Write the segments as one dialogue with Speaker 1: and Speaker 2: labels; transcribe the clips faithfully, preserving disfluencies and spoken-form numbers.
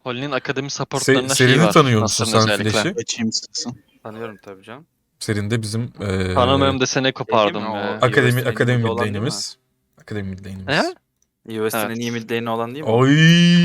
Speaker 1: Holly'nin akademi
Speaker 2: Se
Speaker 1: supportlarında şeyi
Speaker 2: Serini
Speaker 1: var.
Speaker 2: tanıyor musun
Speaker 1: Nasır'ın
Speaker 2: sen
Speaker 1: özellikle.
Speaker 2: Flash'i?
Speaker 3: Geçeyim istersen.
Speaker 4: Tanıyorum tabii canım.
Speaker 2: Serin de bizim eee
Speaker 1: Tanımıyorum desene kopardım
Speaker 4: Değil mi?
Speaker 1: ya.
Speaker 4: O-
Speaker 2: akademi
Speaker 4: U S D'nin
Speaker 2: akademi
Speaker 4: elinde
Speaker 2: mid
Speaker 4: olan değil mi?
Speaker 2: lane'imiz. Akademi mid
Speaker 1: He?
Speaker 2: lane'imiz.
Speaker 4: U S D'nin
Speaker 1: Evet.
Speaker 4: iyi mid lane'i olan değil mi? o?
Speaker 2: Oy.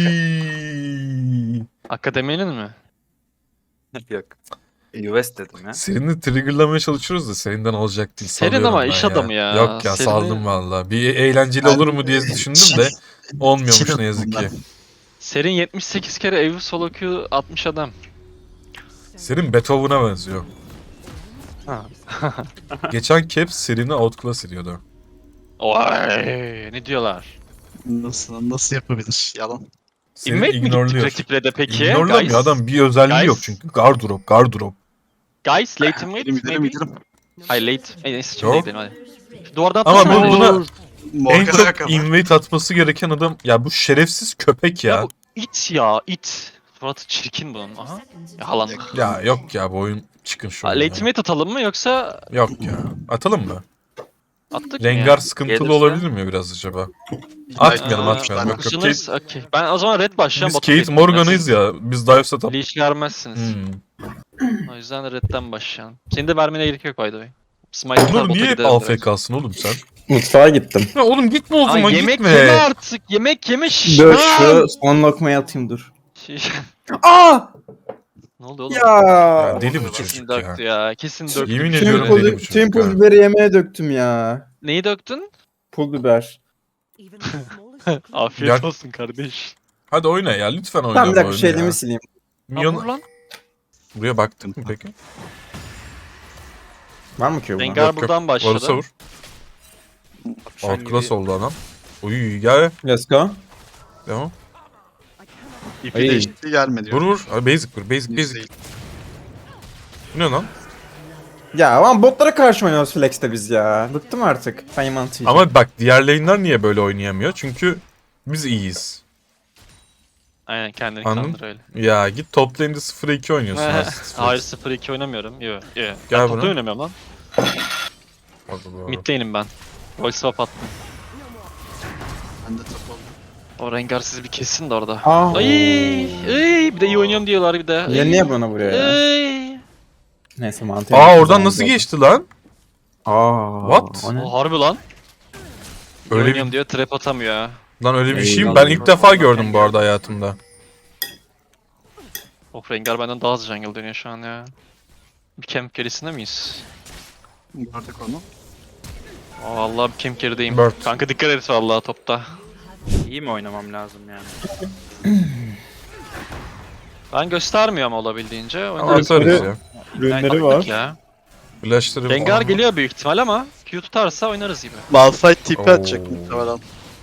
Speaker 1: Akademinin mi?
Speaker 4: Yok. U S dedim ya.
Speaker 2: Serini triggerlamaya çalışıyoruz da serinden olacak değil.
Speaker 1: Serin
Speaker 2: Salıyorum
Speaker 1: ama
Speaker 2: ben
Speaker 1: iş
Speaker 2: ya.
Speaker 1: adamı ya.
Speaker 2: Yok ya
Speaker 1: Serini-
Speaker 2: saldım valla. Bir eğlenceli
Speaker 3: Ben-
Speaker 2: olur mu diye düşündüm de olmuyormuş ne yazık ki.
Speaker 1: Serin yetmiş sekiz kere Evu solo Q atmış adam.
Speaker 2: Serin Beethoven'a benziyor.
Speaker 1: Ha.
Speaker 2: Geçen Caps Serin'i outclass ediyordu.
Speaker 1: Oy, ne diyorlar?
Speaker 3: Nasıl nasıl yapabilir? Yalan.
Speaker 2: Serin
Speaker 1: Invade mi gittik
Speaker 2: ignorluyor.
Speaker 1: rakiple de peki?
Speaker 2: İgnorlamıyor
Speaker 1: Guys,
Speaker 2: adam, bir özelliği
Speaker 1: Guys.
Speaker 2: yok çünkü. Gardrop, gardrop.
Speaker 1: guys late invade
Speaker 3: Gidelim gidelim
Speaker 1: maybe?
Speaker 3: gidelim.
Speaker 1: Hayır late. E, neyse
Speaker 2: Yok.
Speaker 1: şimdi gidelim hadi. Şu duvardan
Speaker 2: Ama
Speaker 1: atlasana.
Speaker 2: bu- buna-
Speaker 1: Olur.
Speaker 2: En
Speaker 3: Morgan'a
Speaker 2: çok
Speaker 3: yakala.
Speaker 2: invade atması gereken adam ya bu şerefsiz köpek
Speaker 1: Ya
Speaker 2: ya.
Speaker 1: bu it ya it. Suratı çirkin bunun. Aha. Yalan.
Speaker 2: Ya yok ya, bu oyun çıkın şu
Speaker 1: Ha,
Speaker 2: oyundan.
Speaker 1: late invade atalım mı yoksa
Speaker 2: Yok ya. Atalım mı?
Speaker 1: attık mı
Speaker 2: Rengar
Speaker 1: ya?
Speaker 2: sıkıntılı
Speaker 4: Gelirse-
Speaker 2: olabilir mi biraz acaba? Atmayalım
Speaker 1: Aa,
Speaker 2: atmayalım. Yok, yok. Kate,
Speaker 1: Kusunuz, okey. Ben o zaman red başlayacağım.
Speaker 2: biz
Speaker 1: bota
Speaker 2: Kate
Speaker 1: geçeceğim.
Speaker 2: Morgan'ıyız ya. Biz dive setup.
Speaker 1: Leash vermezsiniz.
Speaker 2: Hmm.
Speaker 1: O yüzden redden başlayalım. Senin de vermene gerek yok by the way. Smite atar,
Speaker 2: Onur
Speaker 1: bota
Speaker 2: niye hep
Speaker 1: giderim direkt.
Speaker 2: A F K'sın oğlum sen?
Speaker 5: Mutfağa gittim.
Speaker 2: Ya oğlum gitme o
Speaker 1: Aa,
Speaker 2: zaman,
Speaker 1: yemek
Speaker 2: gitme.
Speaker 1: yeme artık. Yemek yeme şiş.
Speaker 5: Dur
Speaker 1: Aa!
Speaker 5: şu son lokmayı atayım dur.
Speaker 1: Şiş.
Speaker 5: Aa!
Speaker 1: Ne oldu oğlum?
Speaker 2: Ya
Speaker 5: Ya.
Speaker 2: deli bu
Speaker 1: Kesin
Speaker 2: çocuk ya.
Speaker 1: döktü ya. Kesin döktü.
Speaker 2: Yemin
Speaker 1: Kesin
Speaker 2: ediyorum
Speaker 1: döktü.
Speaker 2: deli bu
Speaker 5: Tüm
Speaker 2: çocuk
Speaker 5: pul
Speaker 2: ha.
Speaker 5: biberi yemeğe döktüm ya.
Speaker 1: Neyi döktün?
Speaker 5: Pul biber.
Speaker 1: Afiyet
Speaker 2: Gel.
Speaker 1: olsun kardeş.
Speaker 2: Hadi oyna ya, lütfen oyna
Speaker 5: Tamam bir
Speaker 2: bu
Speaker 5: dakika
Speaker 2: oyunu
Speaker 5: şu
Speaker 2: ya.
Speaker 5: elimi sileyim.
Speaker 1: Milyon...
Speaker 2: Milyon...
Speaker 1: lan.
Speaker 2: Buraya baktın mı peki?
Speaker 5: Var mı ki bu?
Speaker 1: Rengar
Speaker 2: Yok, yok.
Speaker 1: buradan başladı.
Speaker 2: Varsa vur.
Speaker 4: Şu an
Speaker 2: Outclass
Speaker 4: gibi-
Speaker 2: oldu adam. Uy gel.
Speaker 5: Let's go.
Speaker 2: Devam.
Speaker 3: İpi
Speaker 5: Ay.
Speaker 3: değişikliği gelmedi.
Speaker 2: Vur vur. Abi basic vur. Basic basic.
Speaker 3: Değil.
Speaker 2: Bu ne lan?
Speaker 5: Ya lan botlara karşı oynuyoruz Flex'te biz ya. Bıktım artık. Payment
Speaker 2: Ama bak diğer lane'ler niye böyle oynayamıyor? Çünkü biz iyiyiz.
Speaker 1: Aynen kendini
Speaker 2: Anladın?
Speaker 1: kandır öyle.
Speaker 2: Ya git top lane'de sıfır iki oynuyorsun aslında.
Speaker 1: Hayır sıfır iki oynamıyorum. Yo yo.
Speaker 2: Gel
Speaker 1: Ben topta
Speaker 2: buraya.
Speaker 1: oynamıyorum lan.
Speaker 2: Hadi doğru.
Speaker 1: Mid lane'im ben. Roll swap attım.
Speaker 3: Ben de top oldum.
Speaker 1: O Rengar sizi bir kessin de orada.
Speaker 5: Aa.
Speaker 1: Ay, ay, bir de iyi oynuyorum diyorlar bir de.
Speaker 5: Ya
Speaker 1: Ay,
Speaker 5: niye bana vuruyor ya?
Speaker 1: ay.
Speaker 5: Neyse mantığı.
Speaker 2: Aa oradan nasıl geçti lan?
Speaker 5: Aa.
Speaker 2: What?
Speaker 5: O ne?
Speaker 1: O harbi lan. İyi
Speaker 2: Öyle
Speaker 1: oynuyorum
Speaker 2: bir,
Speaker 1: diyor trap atamıyor ya.
Speaker 2: lan öyle bir şey mi?
Speaker 5: Eyvallah.
Speaker 2: Ben ilk defa gördüm bu arada hayatımda.
Speaker 1: Oh Rengar benden daha hızlı jungle dönüyor şu an ya. Bir camp gerisinde miyiz?
Speaker 3: Gördük onu.
Speaker 1: Aa, vallahi bir camp gerideyim.
Speaker 2: Bird.
Speaker 1: Kanka dikkat et vallahi topta.
Speaker 4: İyi mi oynamam lazım yani?
Speaker 1: Ben göstermiyorum olabildiğince.
Speaker 2: Ama
Speaker 1: Oynarız.
Speaker 2: atarız ya.
Speaker 5: Ürünleri
Speaker 1: Baktık
Speaker 5: var.
Speaker 1: ya.
Speaker 2: Flashları
Speaker 1: Rengar
Speaker 2: falan.
Speaker 1: geliyor büyük ihtimal ama Q tutarsa oynarız gibi.
Speaker 3: Malphite tipi
Speaker 2: Oo.
Speaker 3: atacak muhtemelen.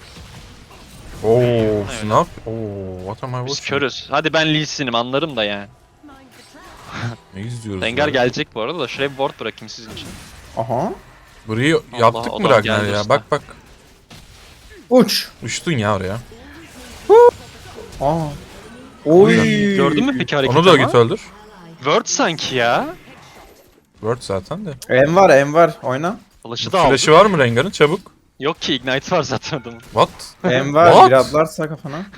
Speaker 2: Oo, snap. Oo, what am I
Speaker 1: Biz
Speaker 2: watching?
Speaker 1: körüz. Hadi ben Lee Sin'im anlarım da yani.
Speaker 2: Ne izliyoruz
Speaker 1: Rengar
Speaker 2: ya?
Speaker 1: gelecek bu arada da şuraya bir ward bırakayım sizin için.
Speaker 5: Aha.
Speaker 2: Burayı
Speaker 1: Allah,
Speaker 2: yaptık mı
Speaker 1: adam
Speaker 2: Ragnar
Speaker 1: geldi
Speaker 2: ya?
Speaker 1: usta.
Speaker 2: Bak bak.
Speaker 5: Uç.
Speaker 2: Uçtun ya oraya.
Speaker 5: Aa. Oy.
Speaker 1: Gördün mü peki hareketi
Speaker 2: Onu da
Speaker 1: ama?
Speaker 2: git öldür.
Speaker 1: Word sanki ya.
Speaker 2: Word zaten de.
Speaker 5: M var M var. Oyna.
Speaker 1: Flash'ı da aldı.
Speaker 2: Flash'ı var mı Rengar'ın? Çabuk.
Speaker 1: Yok ki Ignite var zaten adamın.
Speaker 2: What?
Speaker 5: M var.
Speaker 2: What?
Speaker 5: Bir atlarsa kafana.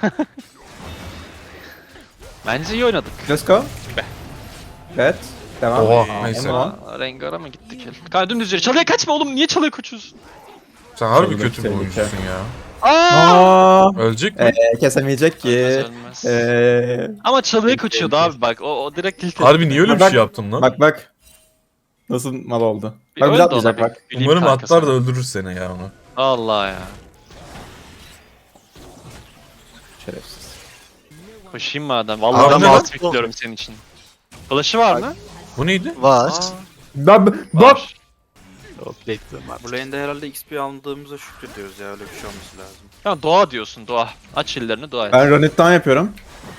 Speaker 1: Bence iyi oynadık.
Speaker 5: Let's go. Evet. Devam.
Speaker 2: Oha
Speaker 5: Aa,
Speaker 2: neyse.
Speaker 5: M var.
Speaker 1: Ama Rengar'a mı gittik el? Kanka dümdüz yürü. Çalıya kaçma oğlum. Niye çalıya kaçıyorsun?
Speaker 2: Sen harbi
Speaker 5: Tehlike,
Speaker 2: kötü bir
Speaker 5: tehlike.
Speaker 2: oyuncusun ya.
Speaker 1: Aa!
Speaker 5: Aa.
Speaker 2: Ölecek mi?
Speaker 5: Ee, kesemeyecek ki.
Speaker 1: Ölmez, ölmez.
Speaker 5: Ee,
Speaker 1: Ama çalıya kaçıyordu abi bak. O, o direkt tilt
Speaker 2: Harbi niye öyle bir
Speaker 5: Bak-
Speaker 2: şey yaptın lan?
Speaker 5: bak bak. Nasıl mal oldu.
Speaker 1: Bir
Speaker 5: Bak bir
Speaker 1: öyle de
Speaker 5: atlayacak
Speaker 1: olabilir.
Speaker 5: bak.
Speaker 1: Bileyim
Speaker 2: Umarım
Speaker 1: kanka
Speaker 2: atlar da
Speaker 1: sana.
Speaker 2: öldürür seni ya onu.
Speaker 1: Allah ya.
Speaker 5: Şerefsiz.
Speaker 1: Koşayım madem. Vallahi
Speaker 2: Adam
Speaker 1: ben
Speaker 2: alt-
Speaker 1: alt bekliyorum senin için. Flash'ı var mı?
Speaker 2: Bu neydi?
Speaker 3: Var.
Speaker 1: Aa,
Speaker 5: Bak bak.
Speaker 1: var.
Speaker 3: Yok bekliyorum artık.
Speaker 4: Bu lane'de herhalde X P aldığımıza şükrediyoruz ya, öyle bir şey olması lazım.
Speaker 1: Ya dua diyorsun dua. Aç ellerini dua et.
Speaker 5: Ben Ronit'ten yapıyorum.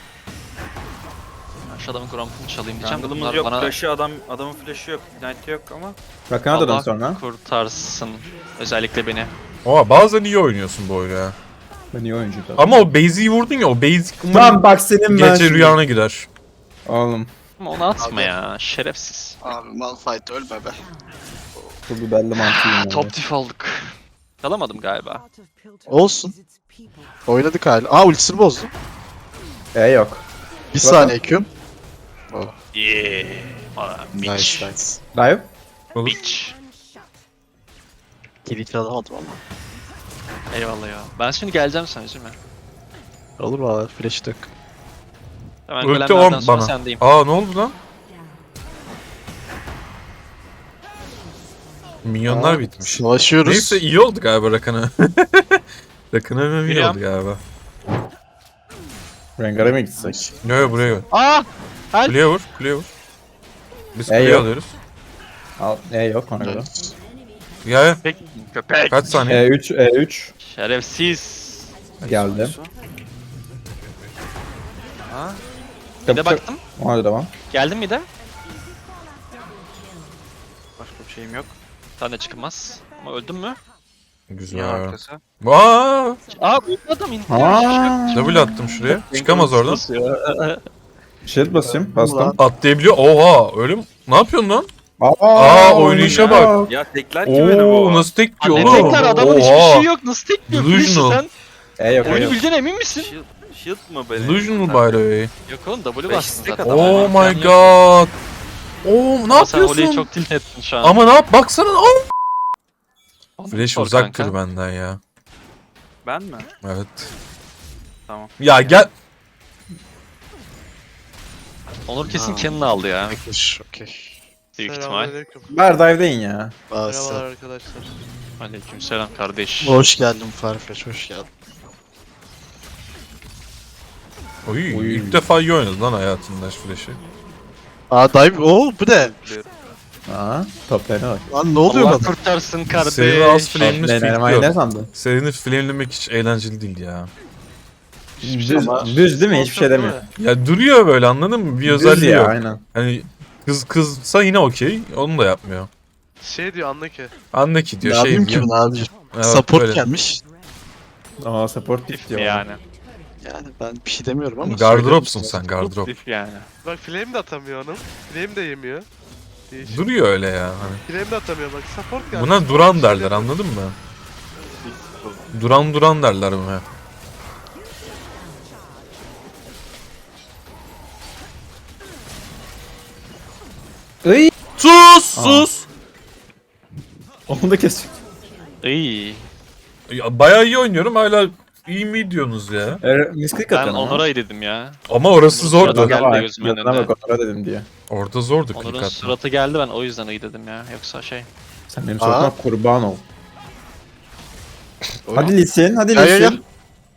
Speaker 1: Ben şu adamın grompunu çalayım diyeceğim. de
Speaker 4: Jungle'ımız
Speaker 1: bunlar
Speaker 4: yok,
Speaker 1: bana
Speaker 4: flash'ı adam, adamın flash'ı yok, ignite yok ama
Speaker 5: Bakana dönün
Speaker 1: Allah
Speaker 5: sonra.
Speaker 1: kurtarsın. Özellikle beni.
Speaker 2: Oha bazen iyi oynuyorsun bu oyunu ya.
Speaker 5: Ben iyi oyuncuyum.
Speaker 2: Ama o base'i vurdun ya, o base
Speaker 5: Lan bak senin ben
Speaker 2: gece
Speaker 5: şimdi.
Speaker 2: rüyana girer.
Speaker 5: Oğlum.
Speaker 1: Ama onu atma ya. Şerefsiz.
Speaker 3: Abi Malphite ölme be.
Speaker 5: Bu biberli mantıyım ya.
Speaker 1: Top diff olduk. Çalamadım galiba.
Speaker 3: Olsun. Oynadık hala. Aa ultisini bozdu.
Speaker 5: E yok.
Speaker 3: Bir saniye Q'm.
Speaker 1: Yeah. Aa,
Speaker 3: Nice
Speaker 1: bitch.
Speaker 3: nice.
Speaker 5: Dive.
Speaker 2: Olur.
Speaker 1: Bitch.
Speaker 3: Kilit alamadım ama.
Speaker 1: Eyvallah ya. Ben şimdi geleceğim sana üzülme.
Speaker 3: Olur valla flash dök.
Speaker 1: Hemen
Speaker 2: Ulti
Speaker 1: golemlerden
Speaker 2: on
Speaker 1: sonra
Speaker 2: bana.
Speaker 1: sendeyim.
Speaker 2: Aa ne oldu lan? Minyonlar
Speaker 3: Aa,
Speaker 2: bitmiş.
Speaker 3: Savaşıyoruz.
Speaker 2: Neyse iyi oldu galiba Rakan'a. Rakan'a iyi
Speaker 1: Biliyorum.
Speaker 2: oldu galiba.
Speaker 5: Rengar'a mı gitsek?
Speaker 2: Yo yo buraya vur.
Speaker 1: Aa! Help!
Speaker 2: Kuleye vur, kuleye vur. Biz
Speaker 5: E,
Speaker 2: kuleyi
Speaker 5: yok.
Speaker 2: alıyoruz.
Speaker 5: Al, E yok ona göre.
Speaker 2: Ya ya.
Speaker 1: Köpek. Köpek.
Speaker 2: Kaç saniye?
Speaker 5: E üç, E üç.
Speaker 1: Şerefsiz.
Speaker 5: Geldi.
Speaker 1: Ha? Bir de baktım.
Speaker 5: Ona da devam.
Speaker 1: Geldin mi de?
Speaker 4: Başka bir şeyim yok.
Speaker 1: Sen de çıkılmaz. Ama öldün mü?
Speaker 4: Ya
Speaker 2: Güzel.
Speaker 4: arkası.
Speaker 2: Aa,
Speaker 1: Aa bu adam indi.
Speaker 5: Aa.
Speaker 2: double attım şuraya. Çıkamaz oradan.
Speaker 5: Shield basayım. Bastım.
Speaker 2: Atlayabiliyor. Oha, öyle mi? Ne yapıyorsun lan?
Speaker 5: Aa,
Speaker 2: Aa, oynayışa bak.
Speaker 5: oynuyor.
Speaker 4: Ya tekler ki beni
Speaker 2: Oo,
Speaker 4: bu.
Speaker 2: nasıl tek diyor
Speaker 1: Ne
Speaker 2: oğlum?
Speaker 1: tekrar adamın hiçbir
Speaker 2: Oha.
Speaker 1: şey yok. Nasıl tek diyor? Flash'ı
Speaker 2: Delusional.
Speaker 1: sen
Speaker 5: E yok, E
Speaker 1: oyunu
Speaker 5: yok.
Speaker 1: bildiğine emin misin?
Speaker 4: Shield, shield mı beni?
Speaker 2: Delusional by the way.
Speaker 1: Yok oğlum W
Speaker 4: Beş
Speaker 1: bastın
Speaker 4: tek
Speaker 1: zaten.
Speaker 4: adam.
Speaker 2: Oh
Speaker 1: Aynen.
Speaker 2: my god. Oo, ne
Speaker 1: Ama sen Oli'yi
Speaker 2: yapıyorsun?
Speaker 1: çok tilt ettin şu an.
Speaker 2: Ama ne yap? Baksana. Oh.
Speaker 1: Ondan
Speaker 2: Flash
Speaker 1: sor
Speaker 2: uzak
Speaker 1: kanka.
Speaker 2: dur benden ya.
Speaker 4: Ben mi?
Speaker 2: Evet.
Speaker 4: Tamam.
Speaker 2: Ya gel.
Speaker 1: Onur kesin
Speaker 3: Aa.
Speaker 1: kendini aldı ya.
Speaker 3: Arkadaş okey.
Speaker 1: Büyük ihtimal.
Speaker 6: Selamünaleyküm.
Speaker 5: Ver dive deyin ya.
Speaker 6: Merhabalar
Speaker 3: Basta.
Speaker 6: arkadaşlar.
Speaker 1: Aleykümselam kardeş.
Speaker 3: Hoş geldin Farfetch hoş geldin.
Speaker 2: Oy,
Speaker 5: Oy.
Speaker 2: ilk defa iyi oynadı lan hayatında Flash'ı.
Speaker 3: Aa dive ooo bu ne?
Speaker 5: Aa, top lane'e bak.
Speaker 3: Lan ne oluyor
Speaker 1: Allah
Speaker 3: bana?
Speaker 1: kurtarsın kardeş.
Speaker 2: Senin az flame'ini
Speaker 5: Top lane oynamayı ne
Speaker 2: fitliyor.
Speaker 5: sandın?
Speaker 2: Serini flamelemek hiç eğlenceli değil ya.
Speaker 5: Düz,
Speaker 3: ama-
Speaker 5: düz değil mi? Hiçbir şey demiyor.
Speaker 2: Ya duruyor böyle anladın mı? Bir
Speaker 5: Düz
Speaker 2: özelliği
Speaker 5: ya
Speaker 2: yok.
Speaker 5: aynen.
Speaker 2: Hani kız kızsa yine okey. Onu da yapmıyor.
Speaker 6: Şey diyor anla ki.
Speaker 2: Anla ki diyor
Speaker 3: Ne
Speaker 2: şey
Speaker 3: yapayım ki
Speaker 2: diyor.
Speaker 3: bunu abi?
Speaker 2: Evet,
Speaker 3: Support
Speaker 2: böyle.
Speaker 3: gelmiş.
Speaker 5: Aa support tip
Speaker 1: Dif
Speaker 5: diyor.
Speaker 1: yani.
Speaker 3: Yani ben bir şey demiyorum ama.
Speaker 2: Gardıropsun
Speaker 3: söyledim.
Speaker 2: sen gardırop.
Speaker 1: Dif yani.
Speaker 6: Bak flame de atamıyor onun. Flame de yemiyor. Değişik.
Speaker 2: Duruyor öyle ya. Hani.
Speaker 6: Flame de atamıyor bak. Support geldi.
Speaker 2: Buna duran derler anladın mı? Duran duran derler buna.
Speaker 5: Iy!
Speaker 2: Sus sus.
Speaker 5: Onu da kes.
Speaker 1: İyi.
Speaker 2: Ya, bayağı iyi oynuyorum hala iyi mi diyorsunuz ya?
Speaker 5: E, misklik
Speaker 1: Ben
Speaker 5: atıyorsun ama.
Speaker 1: Onur'a dedim ya.
Speaker 2: Ama orası
Speaker 1: Onur
Speaker 2: zordu.
Speaker 1: sırada geldi
Speaker 5: Bak,
Speaker 1: gözümün
Speaker 5: yadına
Speaker 1: önünde.
Speaker 5: bak Onur'a dedim diye.
Speaker 2: Orada zordu
Speaker 1: Onur'un
Speaker 2: klik atmak.
Speaker 1: suratı geldi ben o yüzden iyi dedim ya. Yoksa şey.
Speaker 5: Sen benim
Speaker 3: Aa.
Speaker 5: suratıma kurban ol.
Speaker 3: Oy.
Speaker 5: Hadi Lisin, hadi
Speaker 3: Ya, ya, ya.
Speaker 5: Lisin.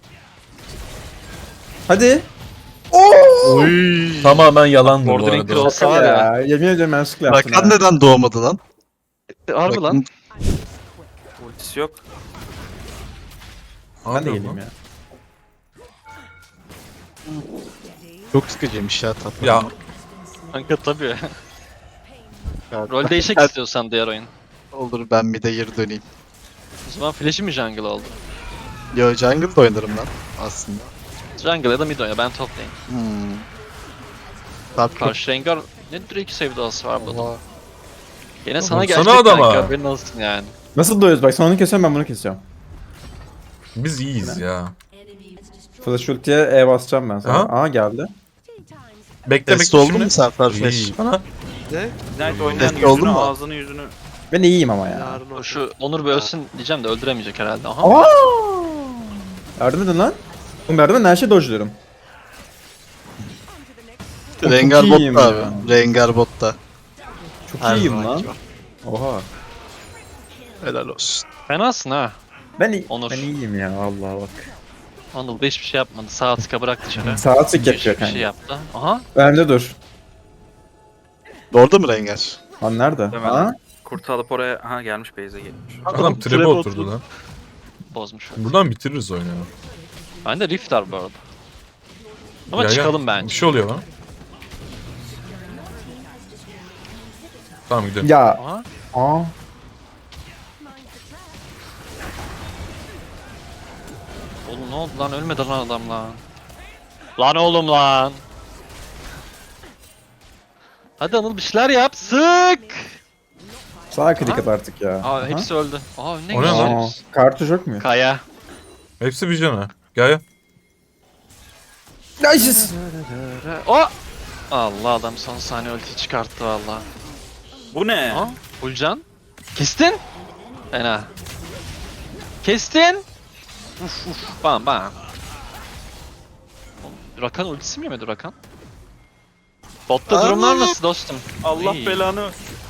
Speaker 5: Hadi.
Speaker 3: Oy.
Speaker 2: Tamamen yalandı bu
Speaker 1: Bordering
Speaker 2: arada.
Speaker 1: Cross var ya.
Speaker 5: Ya, yemin ediyorum ben sıkı yaptım
Speaker 3: Rakan
Speaker 5: ya.
Speaker 3: neden doğmadı lan?
Speaker 1: Harbi
Speaker 3: Rakan-
Speaker 1: lan.
Speaker 4: Ultisi yok.
Speaker 5: Ben de
Speaker 2: Harbi
Speaker 5: geleyim
Speaker 2: lan.
Speaker 5: ya.
Speaker 3: Çok sıkıcıymış ya tatlı.
Speaker 2: Ya
Speaker 1: Kanka tabii.
Speaker 3: Ya,
Speaker 1: Rol değişik
Speaker 3: ben-
Speaker 1: istiyorsan diğer oyun.
Speaker 3: Olur ben mid'e geri döneyim.
Speaker 1: O zaman Flash'i mi jungle oldu?
Speaker 3: Yo jungle'da oynarım lan aslında.
Speaker 1: Jungle ya da mid oyna ben top lane.
Speaker 3: Hmm. Top çok.
Speaker 1: Karşı Rengar ne Drake sevdası var burada.
Speaker 3: Oha.
Speaker 1: Gene sana
Speaker 2: Vursana
Speaker 1: gelecek
Speaker 2: adama.
Speaker 1: kanka haberin olsun yani.
Speaker 5: Nasıl doyuyoruz? Bak sen onu kesiyorum ben bunu kesiyorum.
Speaker 2: biz iyiyiz ya.
Speaker 5: Flash ultiye E basacağım ben sana.
Speaker 2: Aha.
Speaker 5: Aa geldi.
Speaker 2: Bekle
Speaker 3: Test
Speaker 2: bekle
Speaker 3: oldu
Speaker 2: şimdi.
Speaker 3: mu sen Farfetch?
Speaker 2: İyi. Ana.
Speaker 6: Ne?
Speaker 4: Knight oynayan
Speaker 3: Test oldu
Speaker 4: yüzünü,
Speaker 3: mu?
Speaker 4: ağzını yüzünü.
Speaker 5: Ben iyiyim ama ya.
Speaker 6: Yarın olsun.
Speaker 1: Şu Onur bir ölsün diyeceğim de öldüremeyecek herhalde. Aha.
Speaker 5: Aa! Yardım edin lan. Oğlum yardım edin her şeyi dodge'luyorum.
Speaker 3: Rengar
Speaker 5: Çok iyiyim
Speaker 3: botta
Speaker 5: ya.
Speaker 3: abi. Rengar botta.
Speaker 5: Çok
Speaker 3: Her
Speaker 5: iyiyim
Speaker 3: zamanki
Speaker 5: lan.
Speaker 3: gibi.
Speaker 5: Oha.
Speaker 3: Helal olsun.
Speaker 1: Fenasın ha.
Speaker 5: Ben, iyi,
Speaker 1: Onur.
Speaker 5: ben iyiyim ya vallahi bak.
Speaker 1: Anıl da hiçbir şey yapmadı. Sağ tıka bırak dışarı.
Speaker 5: Saat sık
Speaker 1: Hiçbir
Speaker 5: yapıyor
Speaker 1: şey
Speaker 5: kanka.
Speaker 1: yaptı. Aha.
Speaker 5: Bende dur.
Speaker 3: Orada mı Rengar?
Speaker 5: Lan nerede?
Speaker 4: Hemen.
Speaker 5: Ha?
Speaker 4: Kurtu alıp oraya ha gelmiş base'e gelmiş.
Speaker 2: Adam trap'e
Speaker 3: Trap'e
Speaker 2: oturdu
Speaker 3: oturdu.
Speaker 2: lan.
Speaker 1: Bozmuş.
Speaker 2: Buradan bitiririz oyunu.
Speaker 1: Bende Rift var bu arada. Ama
Speaker 2: Ya, ya,
Speaker 1: çıkalım
Speaker 2: Bir
Speaker 1: bence.
Speaker 2: şey oluyor lan. Tamam gidelim.
Speaker 5: Ya.
Speaker 1: Aha.
Speaker 5: Aa.
Speaker 1: Oğlum ne oldu lan ölmedi lan adam lan. Lan oğlum lan. Hadi Anıl bir şeyler yap. Sık.
Speaker 5: Sağa klik
Speaker 1: Aha.
Speaker 5: at artık ya.
Speaker 1: Aa
Speaker 5: Aha.
Speaker 1: hepsi öldü. Aa ne
Speaker 2: O ne
Speaker 1: güzel.
Speaker 2: lan?
Speaker 5: Aa, kartuş yok mu?
Speaker 1: Kaya.
Speaker 2: Hepsi bir cana. Gel gel.
Speaker 5: Nice.
Speaker 1: O! Allah adam son saniye ulti çıkarttı valla.
Speaker 4: Bu ne?
Speaker 1: Ha? Ulcan. Kestin. Fena. Kestin. Uf uf. Bam bam. Oğlum, Rakan ultisi mi yemedi Rakan? Botta durumlar nasıl dostum?
Speaker 4: Allah
Speaker 1: İyi.
Speaker 4: belanı.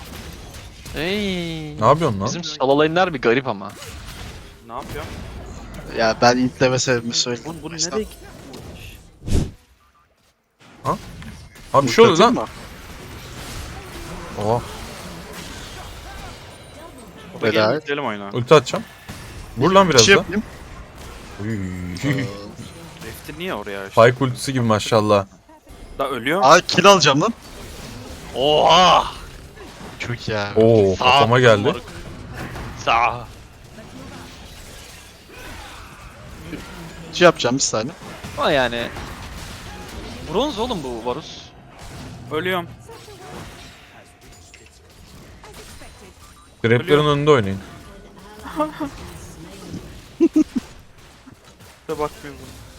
Speaker 1: Ey.
Speaker 2: Ne yapıyorsun lan?
Speaker 1: Bizim sololayınlar bir garip ama.
Speaker 4: Ne yapıyor?
Speaker 3: Ya ben intleme sebebimi söyleyeyim.
Speaker 4: Bu, bu nereye
Speaker 3: Baştan.
Speaker 4: gitmiş?
Speaker 2: Abi bir şey oldu
Speaker 3: Ulti
Speaker 2: lan.
Speaker 3: atayım
Speaker 2: Oha.
Speaker 3: mı?
Speaker 4: Gelin
Speaker 3: Helal.
Speaker 4: gidelim oyuna.
Speaker 2: Ulti atacağım. Vur lan
Speaker 3: Bir
Speaker 2: biraz
Speaker 3: şey
Speaker 2: da.
Speaker 3: yapayım.
Speaker 2: Uy.
Speaker 4: Refti niye oraya açtı?
Speaker 2: Pike ultisi gibi maşallah.
Speaker 4: Da ölüyor.
Speaker 3: Aa kill alacağım lan.
Speaker 1: Oha!
Speaker 3: Çok ya.
Speaker 2: Oo kafama geldi.
Speaker 1: moruk. Sağ.
Speaker 3: Şey yapacağım bir saniye.
Speaker 1: Ama yani bronz oğlum bu Varus.
Speaker 4: Ölüyorum.
Speaker 2: Greplerin önünde oynayın.
Speaker 4: Da bakmıyorum.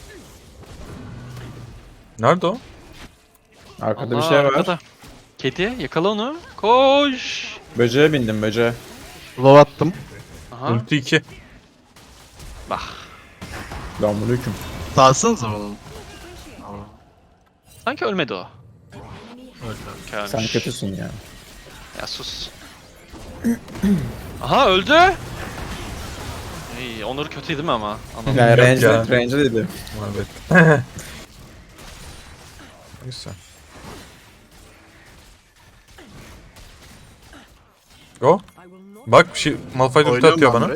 Speaker 2: Nerede o?
Speaker 5: Arkada bir
Speaker 1: Allah,
Speaker 5: şey var.
Speaker 1: arkada. Kedi yakala onu. Koş.
Speaker 5: Böceğe bindim böceğe.
Speaker 3: Low attım.
Speaker 1: Aha.
Speaker 2: Ulti iki.
Speaker 1: Bak.
Speaker 5: Damlıyım.
Speaker 3: Sağsanıza bana.
Speaker 1: Sanki ölmedi o. Ölmüş.
Speaker 5: Sen kötüsün ya.
Speaker 1: Ya sus. Aha öldü. İyi, Onur kötüydü değil mi ama? Anladım.
Speaker 5: Yani
Speaker 2: Yok
Speaker 5: range,
Speaker 2: ya.
Speaker 5: range dedi.
Speaker 2: Evet. Neyse. Go. Bak bir şey Malphite ulti
Speaker 3: Oynuyorum
Speaker 2: atıyor
Speaker 3: ben
Speaker 2: bana.
Speaker 3: buraya.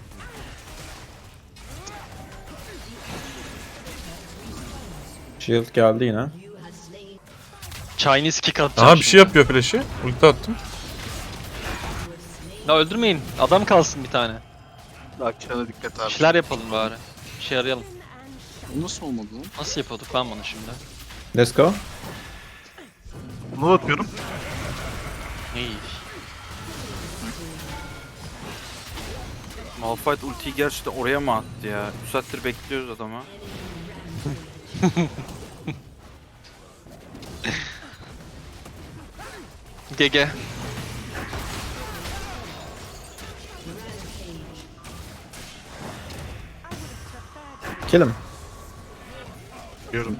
Speaker 5: Shield geldi yine.
Speaker 1: Chinese kick atacağım
Speaker 2: Aha bir şey
Speaker 1: şimdi.
Speaker 2: yapıyor flash'i. Ulti attım.
Speaker 1: Ya öldürmeyin. Adam kalsın bir tane.
Speaker 3: Akşana dikkat
Speaker 1: Bir
Speaker 3: abi.
Speaker 1: şeyler yapalım bari. Bir şey arayalım.
Speaker 3: Bu nasıl olmadı lan?
Speaker 1: Nasıl yapıyorduk lan bunu şimdi?
Speaker 5: Let's go.
Speaker 3: Low atıyorum.
Speaker 1: İyi.
Speaker 4: Malphite ultiyi gerçekten oraya mı attı ya? üç saattir bekliyoruz adamı.
Speaker 1: G G.
Speaker 5: Kill him.
Speaker 3: Diyorum.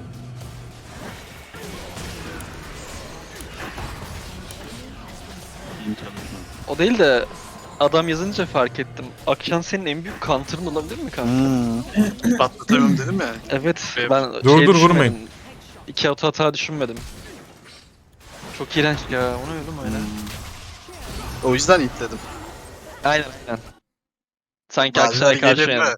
Speaker 1: O değil de adam yazınca fark ettim. Akşam senin en büyük counter'ın olabilir mi kanka?
Speaker 3: Hmm. Patlatamıyorum dedim ya.
Speaker 1: Evet,
Speaker 3: Evet.
Speaker 1: ben
Speaker 2: Dur,
Speaker 1: şey
Speaker 2: dur,
Speaker 1: düşünmedim.
Speaker 2: vurmayın.
Speaker 1: İki auto hata düşünmedim. Çok iğrenç ya, onu öldüm öyle.
Speaker 3: O yüzden itledim.
Speaker 1: Aynen aynen. Sanki
Speaker 3: Bazen
Speaker 1: Akşay'a karşı
Speaker 3: gelir
Speaker 1: yani.
Speaker 3: mi?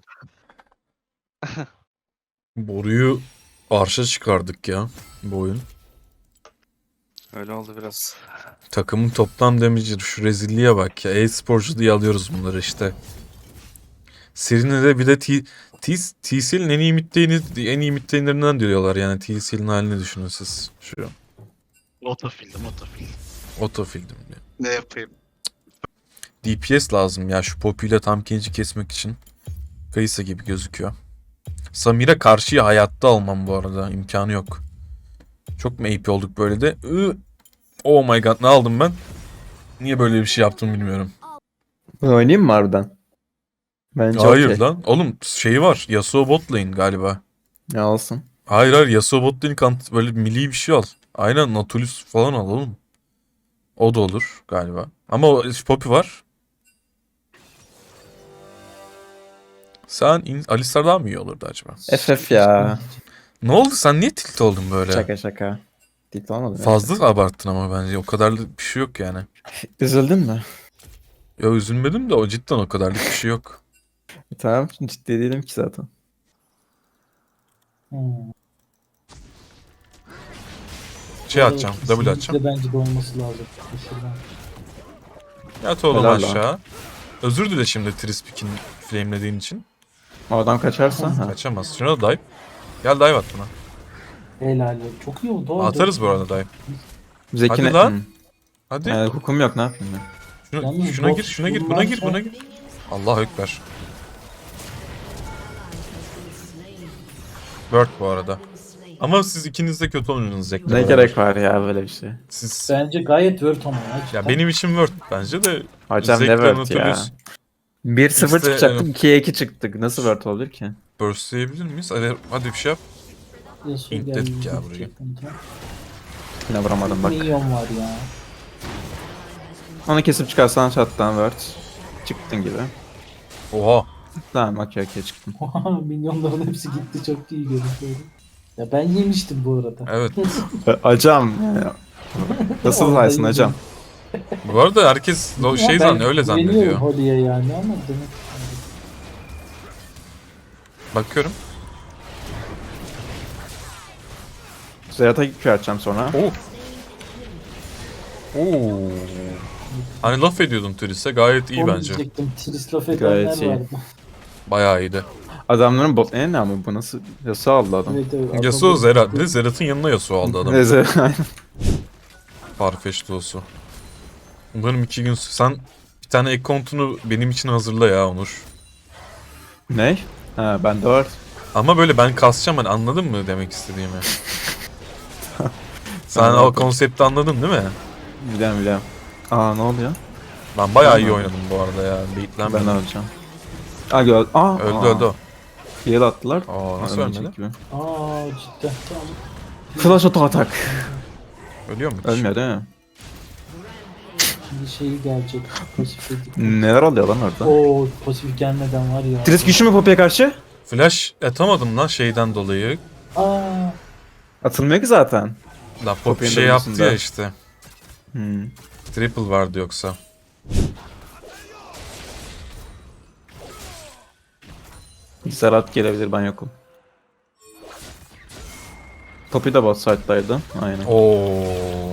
Speaker 2: Boruyu arşa çıkardık ya bu oyun.
Speaker 4: Öyle oldu biraz.
Speaker 2: Takımın toplam damage'i şu rezilliğe bak ya. E-sporcu diye alıyoruz bunları işte. Serine bir de T T TCL'in en iyi midlane'i en iyi midlane'lerinden diyorlar yani TCL'in halini düşünün siz şu
Speaker 3: Otofildim otofildim.
Speaker 2: otofildim diye.
Speaker 3: Ne yapayım?
Speaker 2: D P S lazım ya şu popüyle tam genci kesmek için. Kayısa gibi gözüküyor. Samir'e karşıya hayatta almam bu arada. İmkanı yok. Çok mu A P olduk böyle de? Iı. Oh my god ne aldım ben? Niye böyle bir şey yaptım bilmiyorum.
Speaker 5: Bunu oynayayım mı harbiden? Bence
Speaker 2: Hayır
Speaker 5: okey.
Speaker 2: lan. Oğlum şey var. Yasuo bot lane galiba.
Speaker 5: Ya olsun.
Speaker 2: Hayır hayır Yasuo bot lane kant böyle milli bir şey al. Aynen Nautilus falan al oğlum. O da olur galiba. Ama o Poppy var. Sen in- Alistar daha mı iyi olurdu acaba?
Speaker 5: F F ya.
Speaker 2: Ne oldu sen niye tilt oldun böyle?
Speaker 5: Şaka şaka. Tilt olmadı mı?
Speaker 2: Fazla abarttın ama bence o kadarlık bir şey yok yani.
Speaker 5: Üzüldün mü?
Speaker 2: Ya üzülmedim de o cidden o kadarlık bir şey yok.
Speaker 5: Tamam ciddi değilim ki zaten.
Speaker 2: Şey atacağım, W atacağım.
Speaker 7: Bence de olması lazım. Şuradan.
Speaker 2: Yat oğlum
Speaker 5: Helal lan.
Speaker 2: aşağı. Özür dile şimdi Trispik'in flamelediğin için.
Speaker 5: O adam kaçarsa. Ha.
Speaker 2: Kaçamaz. Şuna da dive. Gel dive at buna.
Speaker 7: Helal. Çok iyi oldu.
Speaker 2: Atarız bu arada dive.
Speaker 5: Zeki
Speaker 2: Hadi lan. Hadi.
Speaker 5: Yani hukum yok ne yapayım ben?
Speaker 2: Şuna,
Speaker 7: Yalnız
Speaker 2: şuna
Speaker 7: bot
Speaker 2: gir, şuna gir, buna gir,
Speaker 7: bunlarsa-
Speaker 2: buna gir. Allah ekber. Word bu arada. Ama siz ikiniz de kötü oynuyorsunuz Zek'le
Speaker 5: Ne
Speaker 2: beraber.
Speaker 5: gerek var ya böyle bir şey.
Speaker 2: Siz...
Speaker 7: Bence gayet word ama ya.
Speaker 2: Ya
Speaker 7: cidden.
Speaker 2: benim için Word bence de.
Speaker 5: Hocam ne
Speaker 2: Zek'le
Speaker 5: word ya?
Speaker 2: Nautilus
Speaker 5: bir sıfır
Speaker 2: İşte,
Speaker 5: çıkacaktık,
Speaker 2: evet.
Speaker 5: ikiye iki çıktık. Nasıl word olabilir ki?
Speaker 2: burstleyebilir miyiz? Hadi, hadi bir şey yap.
Speaker 7: Yasuo
Speaker 2: İlk
Speaker 7: geldi,
Speaker 2: dedik ya
Speaker 7: çok
Speaker 2: burayı.
Speaker 7: sıkıntı.
Speaker 5: Yine vuramadım bak.
Speaker 7: Minyon var ya.
Speaker 5: Onu kesip çıkarsan shot'tan word. Çıktın gibi.
Speaker 2: Oha.
Speaker 5: Tamam okey okey çıktım.
Speaker 7: Minyonların hepsi gitti, çok iyi görünüyor. Ya ben yemiştim bu arada.
Speaker 2: Evet.
Speaker 5: Hocam. Nasıl
Speaker 7: Vallahi
Speaker 5: saysın hocam?
Speaker 2: Bu arada herkes o şey
Speaker 7: Ya ben
Speaker 2: zannediyor, öyle
Speaker 7: güveniyorum
Speaker 2: zannediyor.
Speaker 7: Holly'e yani ama demek
Speaker 2: Bakıyorum.
Speaker 5: Zeyat'a Q atacağım sonra.
Speaker 2: Oo. Oo. Hani laf ediyordum Tris'e, gayet iyi
Speaker 7: onu
Speaker 2: bence.
Speaker 7: diyecektim. Tris laf
Speaker 5: Gayet
Speaker 7: edenler
Speaker 5: iyi.
Speaker 7: vardı.
Speaker 2: Bayağı iyiydi.
Speaker 5: Adamların bot ne ne ama bu nasıl Yasuo aldı adam.
Speaker 7: Evet, evet,
Speaker 2: Yasuo
Speaker 7: adam-
Speaker 2: Zerat. Bir de Zerat'ın yanına Yasuo aldı adam.
Speaker 5: Neyse.
Speaker 2: Farfetch Doğusu. Umarım iki gün... Sen bir tane ek kontunu benim için hazırla ya Onur.
Speaker 5: Ne? Ha bende var.
Speaker 2: Ama böyle ben kasacağım, hani anladın mı demek istediğimi? Sen
Speaker 5: Anladım.
Speaker 2: o konsepti anladın değil mi?
Speaker 5: Biliyorum biliyorum. Aa ne oluyor?
Speaker 2: Ben bayağı iyi
Speaker 5: Tamam.
Speaker 2: oynadım bu arada ya.
Speaker 5: Ben
Speaker 2: Baitlenmedim.
Speaker 5: öleceğim. Aa gör. Aa.
Speaker 2: Öldü
Speaker 5: aa.
Speaker 2: öldü o.
Speaker 5: Heal attılar.
Speaker 2: Aa, nasıl
Speaker 5: Ölmeyecek
Speaker 2: ölmedi?
Speaker 5: gibi.
Speaker 7: Aa cidden tamam.
Speaker 5: Flash auto atak.
Speaker 2: Ölüyor mu? hiç?
Speaker 5: Ölmüyor değil mi?
Speaker 7: Şimdi şeyi gelecek. Pasif dedik.
Speaker 5: Neler oluyor lan orada?
Speaker 7: Oo pasif gelmeden var ya.
Speaker 5: Tris güçlü mü Poppy'ye karşı?
Speaker 2: Flash atamadım lan şeyden dolayı.
Speaker 7: Aa
Speaker 5: Atılmıyor ki zaten.
Speaker 2: La pop
Speaker 5: Poppy'nin
Speaker 2: şey yaptı
Speaker 5: dönüşünde.
Speaker 2: ya işte.
Speaker 5: Hmm.
Speaker 2: Triple vardı yoksa.
Speaker 5: Zerat gelebilir ben yokum. Poppy de bot side'daydı. Aynen.
Speaker 2: Oo.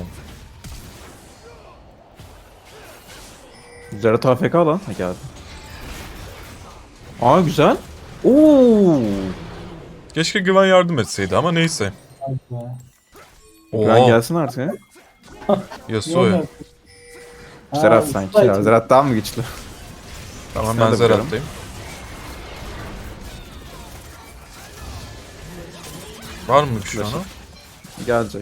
Speaker 5: Zerat A F K lan. Ha geldi. Aa güzel. Oo.
Speaker 2: Keşke Güven yardım etseydi ama neyse.
Speaker 7: hadi be.
Speaker 5: Ben
Speaker 2: Oo.
Speaker 5: gelsin artık ya.
Speaker 2: Yasuo.
Speaker 7: Yok, Ha,
Speaker 5: Zerat sanki ya.
Speaker 7: Sprite.
Speaker 5: Zerat daha mı güçlü?
Speaker 2: Tamam
Speaker 5: Ben
Speaker 2: ben
Speaker 5: de biliyorum.
Speaker 2: Zerat'tayım. Var mı bir şey
Speaker 5: Flash'ı.
Speaker 2: ona?
Speaker 5: Gelecek.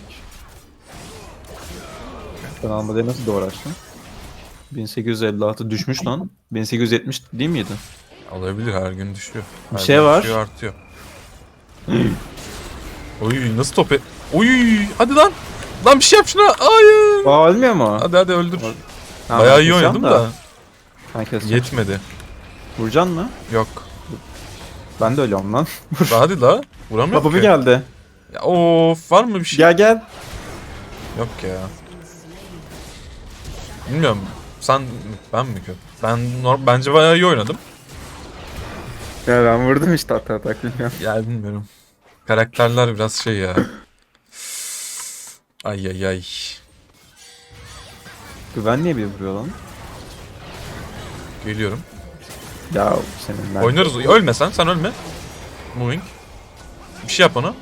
Speaker 5: Ben almadığı nasıl doğru açtım? bin sekiz yüz elli altı düşmüş lan. bin sekiz yüz yetmiş değil miydi?
Speaker 2: Olabilir, her gün düşüyor. Her
Speaker 5: Bir şey
Speaker 2: gün
Speaker 5: var.
Speaker 2: düşüyor, artıyor. Oy nasıl top et... Oy hadi lan. Lan bir şey yap şuna. Hayır.
Speaker 5: Aa ölmüyor mu?
Speaker 2: Hadi hadi öldür.
Speaker 5: Tamam,
Speaker 2: Bayağı
Speaker 5: ben
Speaker 2: iyi
Speaker 5: keseceğim
Speaker 2: oynadım da.
Speaker 5: Ben keseceğim.
Speaker 2: Yetmedi.
Speaker 5: Vuracaksın mı?
Speaker 2: Yok.
Speaker 5: Ben de ölüyorum lan.
Speaker 2: Hadi la. Vuramıyorum
Speaker 5: Baba bir
Speaker 2: ki.
Speaker 5: geldi.
Speaker 2: Ya, of var mı bir şey?
Speaker 5: Gel gel.
Speaker 2: Yok ya. Bilmiyorum. Sen ben mi kötü? Ben norm- bence bayağı iyi oynadım.
Speaker 5: Ya ben vurdum işte hatta atak bilmiyorum.
Speaker 2: Ya bilmiyorum. Karakterler biraz şey ya. Ay ay ay.
Speaker 5: Güven niye bir vuruyor lan?
Speaker 2: Geliyorum.
Speaker 5: Ya senin ben.
Speaker 2: Oynarız. Ölme sen. Sen ölme. Moving. Bir şey yap ona.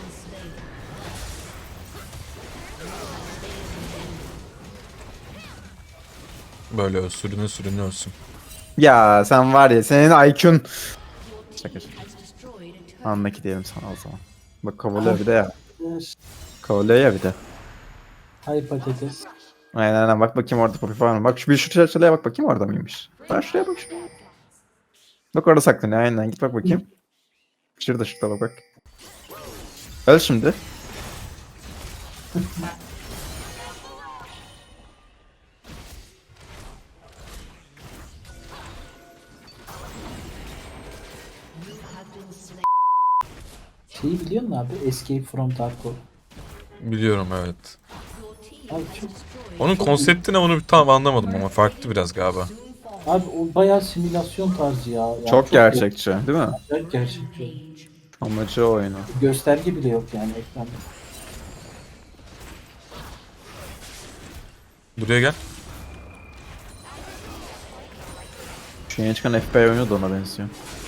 Speaker 2: Böyle ö- sürüne sürüne ölsün.
Speaker 5: Ya sen var ya senin I Q'un. Şaka şaka. Anlaki diyelim sana o zaman. Bak kovalıyor bir de ya. Kovalıyor ya bir de.
Speaker 7: Hay patates.
Speaker 5: Aynen aynen bak bakayım orada Poppy var mı? Bak şu bir şu şuraya bak bakayım orada mıymış? Bak şuraya bak şuraya. Bak orada saklanıyor aynen git bak bakayım. Şurada şurada bak bak. Öl şimdi.
Speaker 7: Şeyi biliyor musun abi? Escape from Tarkov.
Speaker 2: Biliyorum evet.
Speaker 7: Abi çok...
Speaker 2: Onun konsepti ne onu tam anlamadım ama farklı biraz galiba.
Speaker 7: Abi o bayağı simülasyon tarzı ya. Yani
Speaker 5: Çok gerçekçi değil mi?
Speaker 7: Çok gerçekçi.
Speaker 5: Amacı o oyunu.
Speaker 7: Gösterge bile yok yani ekranda.
Speaker 2: Buraya gel.
Speaker 5: Şu yeni çıkan F B I oyunu da ona benziyor.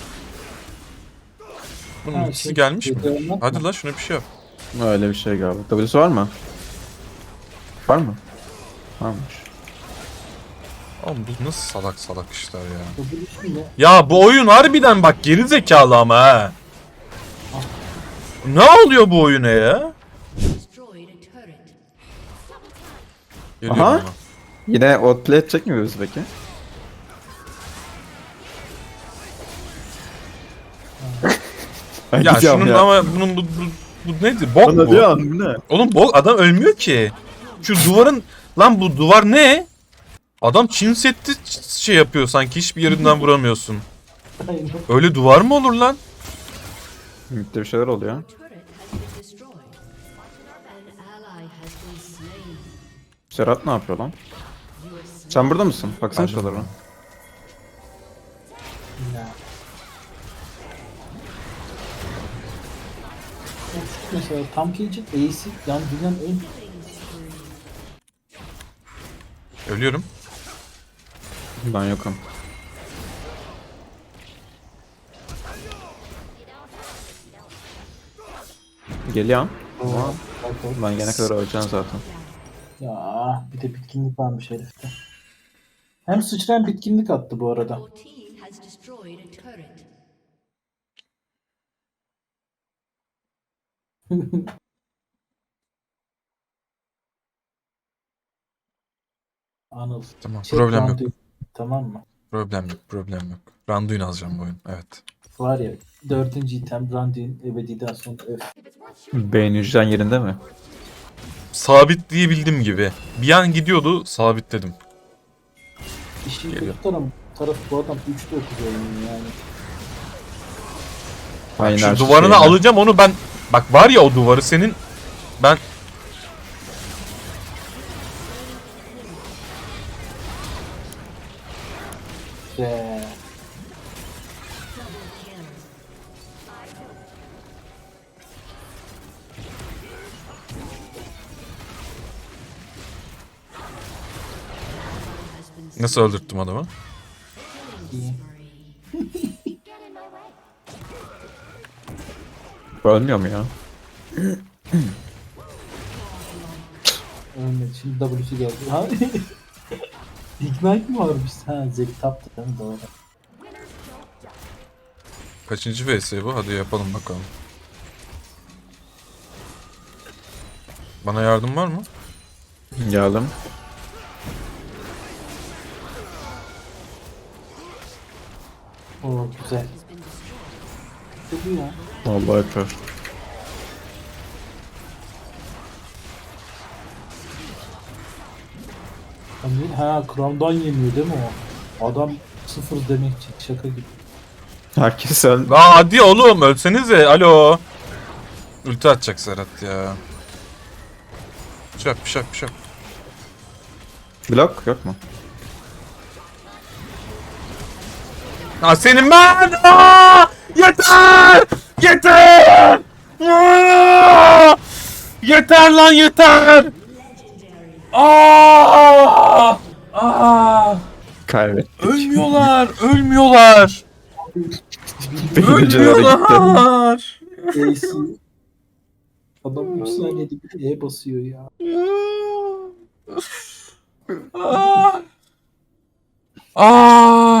Speaker 2: Bunun
Speaker 7: Ha,
Speaker 2: ikisi
Speaker 7: şey,
Speaker 2: gelmiş mi?
Speaker 7: video anlatma.
Speaker 2: Hadi la şuna bir şey yap.
Speaker 5: Öyle bir şey galiba. W'su var mı? Var mı? Varmış.
Speaker 2: Oğlum bu nasıl salak salak işler ya.
Speaker 7: Bu bilişim de
Speaker 2: Ya bu oyun harbiden bak geri zekalı ama ha. Ne oluyor bu oyuna ya? Geliyorum
Speaker 5: Aha.
Speaker 2: ama.
Speaker 5: Yine outplay edecek mi bizi peki? Ben
Speaker 2: Ya
Speaker 5: gidiyorum
Speaker 2: şunun ama bunun bu, bu, bu nedir? Bok
Speaker 5: Bana
Speaker 2: bu.
Speaker 5: diyor bu ne?
Speaker 2: Oğlum bok adam ölmüyor ki. Şu duvarın lan bu duvar ne? Adam Çin setti şey yapıyor sanki hiçbir yerinden vuramıyorsun.
Speaker 7: Aynen.
Speaker 2: Öyle duvar mı olur lan?
Speaker 5: Mid'de bir şeyler oluyor. Serhat ne yapıyor lan? Sen burada mısın? Baksana şuralara.
Speaker 7: Ya. Mesela tam gelecek Ace'i yani dünyanın en
Speaker 2: Ölüyorum.
Speaker 5: Ben yokum. Geliyorum. Ama ben gelene kadar öleceğim zaten.
Speaker 7: ya bir de bitkinlik varmış herifte. Hem sıçrayan bitkinlik attı bu arada.
Speaker 8: Your team has destroyed a turret.
Speaker 7: Anıl.
Speaker 2: Tamam
Speaker 7: Çek
Speaker 2: problem yok.
Speaker 7: Randuin, tamam mı?
Speaker 2: Problem yok. Problem yok. Randuin alacağım bu oyun. Evet.
Speaker 7: Var ya dördüncü item Randuin ebediden sonra öf.
Speaker 5: Beyin hücren yerinde mi?
Speaker 2: Sabitleyebildim gibi. Bir an gidiyordu sabitledim.
Speaker 7: İşin
Speaker 2: Geliyor.
Speaker 7: kötü tarafı, tarafı bu adam üç dokuz oynuyor yani.
Speaker 5: Aynen.
Speaker 2: Şu duvarını alacağım onu ben. Bak var ya o duvarı senin. Ben
Speaker 7: Ve
Speaker 2: nasıl öldürttüm adamı?
Speaker 7: iyi.
Speaker 5: Ölmüyor mu ya?
Speaker 7: Ölmedi. Şimdi W'si geldi. Ha? Ignite mi varmış? Ha Zek taptı değil mi? Doğru.
Speaker 2: Kaçıncı V S bu? Hadi yapalım bakalım. Bana yardım var mı?
Speaker 5: Geldim.
Speaker 7: Oo güzel. Kötü ya.
Speaker 5: Vallahi kör.
Speaker 7: Hani, ha Crown'dan yemiyor değil mi o? Adam sıfır demek için şaka gibi.
Speaker 5: Herkes öldü.
Speaker 2: Aa hadi oğlum ölsenize. Alo. Ulti atacak Serhat ya. Şak şak şak.
Speaker 5: Blok yok mu?
Speaker 2: Ha senin ben. Aa! Yeter! Yeter! Aa! Yeter lan yeter! Aa! Aa!
Speaker 5: Kaybettik.
Speaker 2: Ölmüyorlar, ölmüyorlar.
Speaker 5: Beyin hücreleri gitti.
Speaker 2: Ölmüyorlar.
Speaker 7: Ace. Adam üç saniyede bir E basıyor ya.
Speaker 2: Aa! Aa!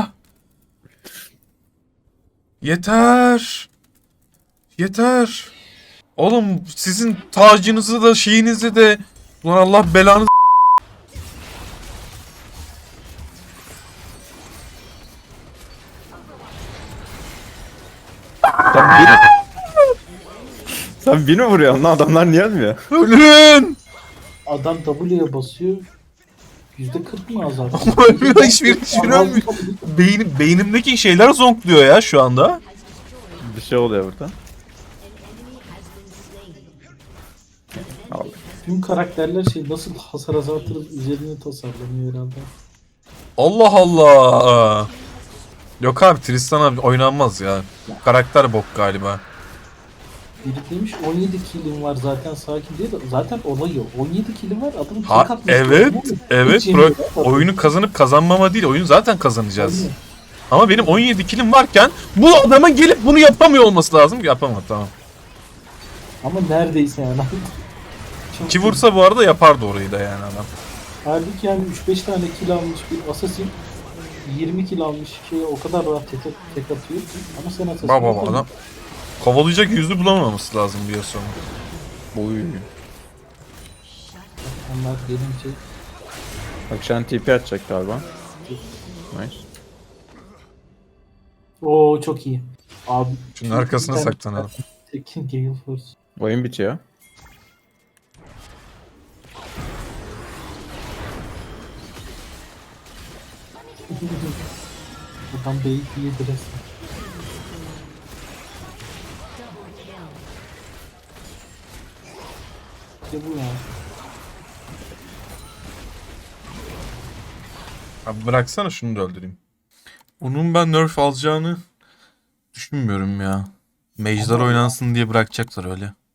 Speaker 2: Yeter. Yeter. Oğlum sizin tacınızı da şeyinizi de ulan Allah belanı
Speaker 5: Sen bir... Sen bir mi vuruyorsun lan? Adamlar niye ölmüyor?
Speaker 2: ölün.
Speaker 7: Adam W'ye basıyor. Yüzde kırk mı azar?
Speaker 2: Ölmüyor hiçbir hiçbir ölmüyor. Beynim, beynimdeki şeyler zonkluyor ya şu anda.
Speaker 5: Bir şey oluyor burada. Al.
Speaker 7: Tüm karakterler şey nasıl hasar azaltırız üzerine tasarlanıyor herhalde.
Speaker 2: Allah Allah. Yok abi Tristan abi oynanmaz ya. Karakter bok galiba.
Speaker 7: Biri demiş on yedi killim var zaten sakin diye de zaten olay yok. on yedi killim var adamın tek
Speaker 2: Ha
Speaker 7: atması
Speaker 2: evet
Speaker 7: yok.
Speaker 2: evet
Speaker 7: Hiç
Speaker 2: bro,
Speaker 7: yemiyor ya.
Speaker 2: oyunu kazanıp kazanmama değil oyunu zaten kazanacağız.
Speaker 7: Aynen.
Speaker 2: Ama benim on yedi kilim varken bu adamın gelip bunu yapamıyor olması lazım ki yapamadı tamam.
Speaker 7: Ama neredeyse yani. Çok
Speaker 2: Ki vursa bu arada yapardı orayı da yani adam.
Speaker 7: halbuki yani üç beş tane kill almış bir assassin yirmi kill almış şeye o kadar rahat tek, tek atıyor ki. Ama sen assassin
Speaker 2: Baba baba adam Kovalayacak yüzü bulamaması lazım bir sonra.
Speaker 5: Oy.
Speaker 7: Onlar gelince
Speaker 5: Bak şu an T P atacak galiba. Nice.
Speaker 7: Oo çok iyi. Abi
Speaker 2: Şunun arkasına saklanalım.
Speaker 7: Tekin Gale Force.
Speaker 5: Oyun bitiyor.
Speaker 7: Adam beyit yedi resmen. İşte bu ya.
Speaker 2: Abi bıraksana şunu da öldüreyim. Onun ben nerf alacağını düşünmüyorum ya. Mage'ler oynansın diye bırakacaklar öyle.